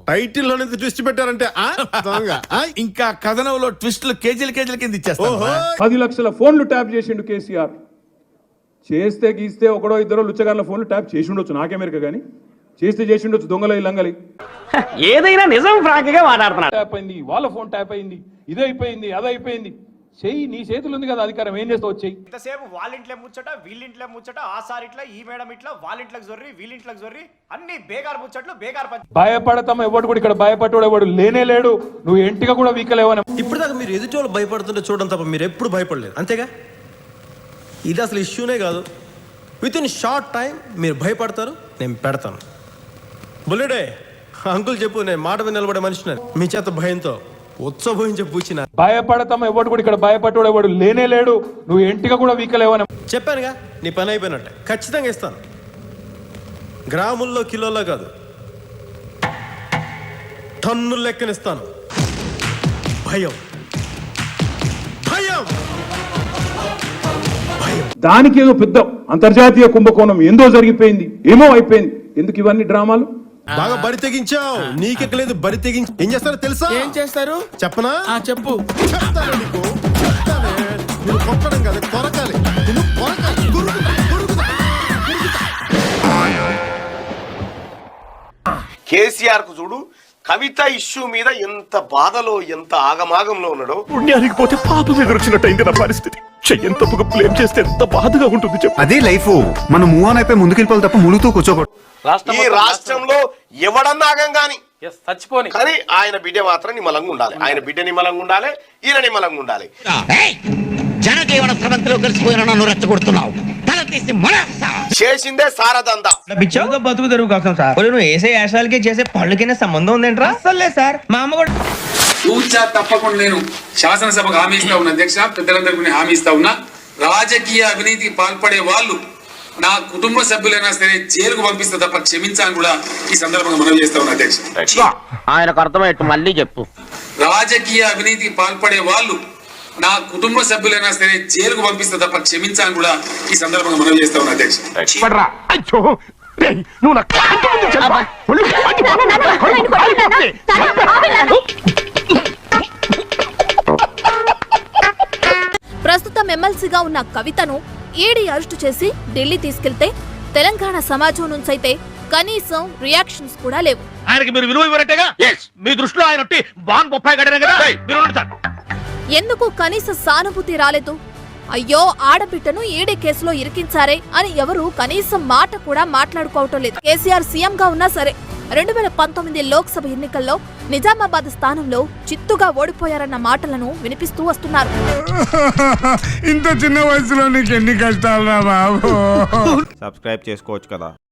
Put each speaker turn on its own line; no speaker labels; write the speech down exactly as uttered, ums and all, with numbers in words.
Title లోనే twist పెట్టారంటే ఆ? దొంగ. ఆ?
ఇంకా కథనంలో ట్విస్టులు కేజీలు కేజీల కింద ఇచ్చేస్తాను.
పది లక్షల ఫోన్లు ట్యాప్ చేసిండు కేసీఆర్. చేస్తే గీస్తే ఒకడో ఇద్దరు లుచ్చగాళ్ళ ఫోన్లు ట్యాప్ చేసి ఉండొచ్చు, నాకెమెరిక కానీ చేస్తే చేసి ఉండొచ్చు దొంగల లంగలి.
ఏదైనా నిజం ఫ్రాంక్ గా మాట్లాడుతున్నాడు.
ట్యాప్ అయింది, వాళ్ళ ఫోన్ ట్యాప్ అయింది, ఇదైపోయింది అదైపోయింది. చెయ్యి, నీ చేతులు ఉంది కదా అధికారం, ఏం చేస్తావు చెయ్యి.
ఇంతసేపు వాళ్ళింట్లో ముచ్చట వీళ్ళింట్లో ముచ్చట, ఆ సార్ ఇట్లా ఈ మేడం ఇట్లా, వాళ్ళింట్లోకి జొర్రి వీళ్ళింట్లోకి జొర్రి, అన్ని బేగారు ముచ్చట్లు బేగారు పంచ.
భయపడతాం, ఎవడు కూడా ఇక్కడ భయపడ్డాడు ఎవడు లేనే లేడు. నువ్వు ఎంటిగా కూడా వీకలేవని.
ఇప్పుడు దాకా మీరు ఎదుటి వాళ్ళు భయపడుతుంటే చూడడం తప్ప మీరు ఎప్పుడు భయపడలేదు, అంతేగా? ఇది అసలు ఇష్యూనే కాదు. విత్ ఇన్ షార్ట్ టైం మీరు భయపడతారు, నేను పెడతాను. బుల్లెడే అంకుల్ చెప్పు, నేను మాట మీద నిలబడే మనిషిని. మీ చేత భయంతో ఉత్సవహించి పూచిన
భయపడతాం, ఎవడు కూడా ఇక్కడ భయపడ్డాడు ఎవడు లేనే లేడు. నువ్వు ఎంటిగా కూడా వీకలేవని
చెప్పానుగా, నీ పని అయిపోయినట్టే. ఖచ్చితంగా ఇస్తాను. గ్రాముల్లో కిలోల్లో కాదు, టన్నుల లెక్కనిస్తాను. భయం భయం
దానికి ఏదో పెద్ద అంతర్జాతీయ కుంభకోణం ఏందో జరిగిపోయింది, ఏమో అయిపోయింది. ఎందుకు ఇవన్నీ డ్రామాలు?
బాగా బరి తెగించావు. నీకెక్కలేదు బరి తెగించి ఏం చేస్తారో తెలుసా?
ఏం చేస్తారు
చెప్పనా?
చెప్పు.
చెప్తాను నీకు, చెప్తానే. నువ్వు కొట్టడం కాదు, కొరకాలి. నువ్వు కొరకాలి. గురుకుతా, గురుకుతా, గురుకుతా.
కేసీఆర్ కు చూడు, కవిత ఇష్యూ మీద ఎంత బాధలో ఎంత ఆగమాగంలో ఉన్నాడో.
పుణ్యానికి పోతే పాపం ఎదురొచ్చినట్టయింది నా పరిస్థితి. చెయ్యని తప్పుగా బ్లేమ్ చేస్తే ఎంత బాధగా ఉంటుంది చెప్పు.
అదే లైఫ్. మనం మూవ్ ఆన్ అయిపోయి ముందుకెళ్ళిపోవాలి తప్ప ములుగుతూ కూర్చోకూడదు.
ఈ రాష్ట్రంలో ఎవడన్నా ఆగం గాని
చచ్చిపోని
కానీ ఆయన బిడ్డ మాత్రం నిమ్మలంగా ఉండాలి. ఆయన బిడ్డ నిమ్మలంగా ఉండాలి, ఈయన నిమ్మలంగా ఉండాలి.
జనజీవన స్రవంతిలో కలిసిపోయిన నన్ను రెచ్చగొడుతున్నావు. తల తీసి
చేసిందే సారదందా.
పిచ్చోగా బతుకు తెరువు కోసం సార్. నువ్వు వేసే యాశాలకి చేసే పళ్ళకినే సంబంధం ఉందేంట్రా? అసలే సార్, మా అమ్మ కూడా
తూచా తప్పకుండా నేను శాసనసభకు హామీ ఇస్తా ఉన్నా. అధ్యక్ష, పెద్దలందరికీ హామీ ఇస్తా ఉన్నా. రాజకీయ అవినీతికి పాల్పడే వాళ్ళు నా కుటుంబ సభ్యులైనా సరే జైలుకు పంపిస్తే తప్ప క్షమించాలని కూడా ఈ సందర్భంగా మనం చేస్తా ఉన్నా. అధ్యక్ష,
ఆయనకు అర్థమయ్యట్టు మళ్ళీ చెప్పు.
రాజకీయ అవినీతికి పాల్పడే వాళ్ళు నా కుటుంబ సభ్యులైనా సరే జైలుకు పంపిస్తే తప్ప క్షమించాలని కూడా ఈ సందర్భంగా మనం చేస్తా ఉన్నా. అధ్యక్ష,
ప్రస్తుతం ఎమ్మెల్సీగా ఉన్న కవితను ఈడీ అరెస్టు చేసి ఢిల్లీ తీసుకెళ్తే తెలంగాణ సమాజం నుంచైతే కనీసం రియాక్షన్స్ కూడా లేవు.
ఆయనకి మీరు విలువ ఇవ్వరంటేగా? మీ దృష్టిలో ఆయన బాన్ బొప్పాయి గడిన కదా.
ఎందుకు కనీస సానుభూతి రాలేదు? అయ్యో, ఆడబిడ్డను ఈడీ కేసులో ఇరికించారే అని ఎవరు కనీసం మాట కూడా మాట్లాడుకోవటం లేదు. కేసీఆర్ సీఎం గా ఉన్నా సరే రెండు వేల పంతొమ్మిది లోక్సభ ఎన్నికల్లో నిజామాబాద్ స్థానంలో చిత్తుగా ఓడిపోయారన్న మాటలను వినిపిస్తూ వస్తున్నారు.
ఇంత చిన్న వయసులో నీకు ఎన్ని కష్టాలు రా బాబు.
సబ్స్క్రైబ్ చేసుకోవచ్చు కదా.